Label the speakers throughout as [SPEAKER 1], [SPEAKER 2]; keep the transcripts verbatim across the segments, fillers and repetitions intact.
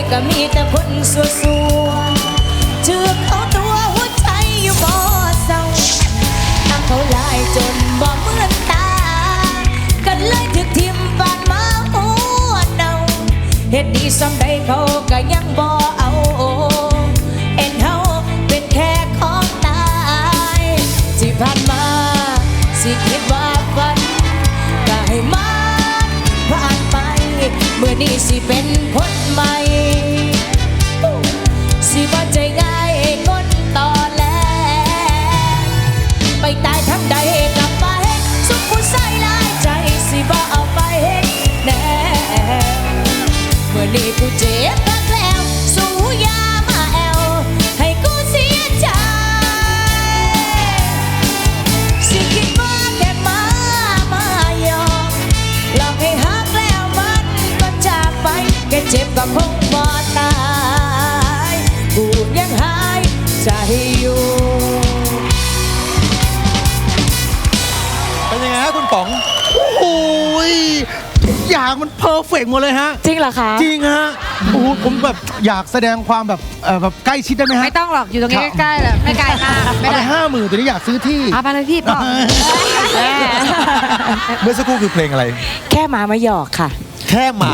[SPEAKER 1] ก็มีแต่คนสัวสัวเชือกเอาตัวหัวใจอยู่บ่เศร้าทำเขาลายจนบ่เหมือนตากันเลยถึกทิมปานมาหัวเน่าเฮ็ดดีซ้ำใดเขาก็ยังบ่เอาเอ็นเฮาเป็นแค่ของตายที่ผ่านมาสิคิดว่าฝันก็ให้มันผ่านไปเมื่อนี้สิเป็นคนใหม่สิบ่ใจง่ายคนต่อแลไปตายทั้งใดกลับไปสุขผู้ใส่ลายใจสิบ่เอาไปแน่เมื่อนี้กูเจ็บพักแล้วสู้ยามาแอวให้กูเสียใจสิคิดว่าแค่มามายอมหลอกให้ฮักแล้วมันก็จากไปแค่เจ็บก็คงบ่ตายกูยังหายใจอยู่
[SPEAKER 2] เป็นยังไงฮะคุณป๋อง
[SPEAKER 3] โอ้ยทุกอย่างมันเพอร์เฟกต์หมดเลยฮะ
[SPEAKER 1] จริงเหรอคะ
[SPEAKER 3] จริงฮะโอ้โหผมแบบอยากแสดงความแบบเอ่อแบบใกล้ชิดได้ไหมฮะ
[SPEAKER 4] ไม่ต้องหรอกอยู่ตรงนี้ใกล้ๆแหละไม่ไกลมากไม่
[SPEAKER 3] เอาไป
[SPEAKER 4] ได้
[SPEAKER 3] ห้าหมื่นตัวนี้อยากซื้อที่
[SPEAKER 4] เอาไปเลยพี่ปอก
[SPEAKER 2] เมื่อสักครู่คือเพลงอะไร
[SPEAKER 1] แค่หมามาหยอกค่ะ
[SPEAKER 2] แค่หมา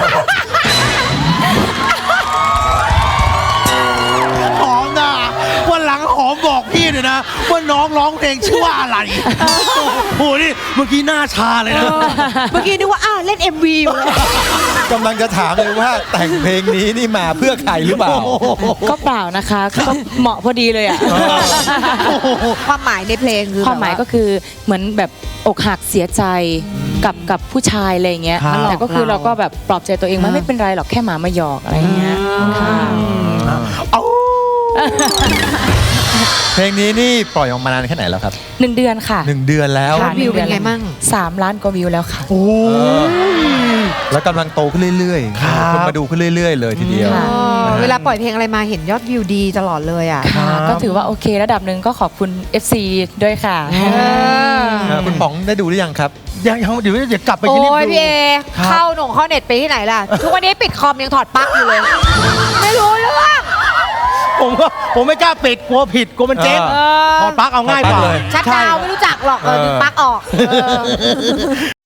[SPEAKER 3] หอมนะวันหลังหอมบอกพี่หน่อยนะว่าน้องร้องเพลงชื่อว่าอะไรโอ้โหนี่เมื่อกี้หน้าชาเลยนะ
[SPEAKER 4] เมื่อกี้นึกว่าอ้าวเล่น เอ็ม วี อยู่เลย
[SPEAKER 2] กำลังจะถามเลยว่าแต่งเพลงนี้นี่มาเพื่อใครหรือเปล่า
[SPEAKER 1] ก็เปล่านะคะก็เหมาะพอดีเลยอ่ะ
[SPEAKER 4] ความหมายในเพลงคือ
[SPEAKER 1] ความหมายก็คือเหมือนแบบอกหักเสียใจกับกับผู้ชายอะไรอย่างเงี้ย
[SPEAKER 3] ครับ
[SPEAKER 1] แต่ก็คือเราก็แบบปลอบใจตัวเองว่าไม่เป็นไรหรอกแค่หมามาหยอกอะไรอย่างเงี้ยค่ะ
[SPEAKER 3] เอา
[SPEAKER 2] เพลงนี้นี่ปล่อยออกมานานแค่ไหนแล้วครับ
[SPEAKER 1] หนึ่งเดือนค่ะ
[SPEAKER 2] หนึ่งเดือนแล้ว
[SPEAKER 1] ค่ะ
[SPEAKER 4] วิวเป็นไงมั่ง
[SPEAKER 1] สามล้านกว่าวิวแล้วค่ะ
[SPEAKER 3] โอ้
[SPEAKER 2] เออ แล้วกำลังโตขึ้นเรื่อย
[SPEAKER 3] ครับ
[SPEAKER 2] ๆคนมาดูขึ้นเรื่อย ๆ เลยทีเดียว
[SPEAKER 1] ค่ะ
[SPEAKER 4] เออเวลาปล่อยเพลงอะไรมาเห็นยอดวิวดีตลอดเลยอ่ะ
[SPEAKER 1] ค่ะก็ถือว่าโอเคระดับหนึ่งก็ขอบคุณ เอฟ ซี ด้วยค่ะ
[SPEAKER 4] เออ
[SPEAKER 2] เออคุณป๋องได้ดูหรือยังครับ
[SPEAKER 3] ยังยังเดี๋ยวเดี๋ยวกลับไป
[SPEAKER 4] โอ้
[SPEAKER 3] ที่รีบ
[SPEAKER 4] ย
[SPEAKER 3] ดู
[SPEAKER 4] พี่เอ
[SPEAKER 3] ครับ
[SPEAKER 4] เข้าหนงเข้าเน็ตไปที่ไหนล่ะ ทุกวันนี้ปิดคอมยังถอดปลั๊กอยู่เลย ไม่รู้เรื่อง
[SPEAKER 3] ผมก็ผมไม่กล้าปิดกลัวผิดกลัวมันเจ๊ง
[SPEAKER 2] เอ
[SPEAKER 3] ถอดปลั๊กเอาง่ายกว่า
[SPEAKER 2] ถอดปลั๊กเลย
[SPEAKER 4] ชัดดาวน์ไม่รู้จักหรอกเออดึงปลั๊กออกเออ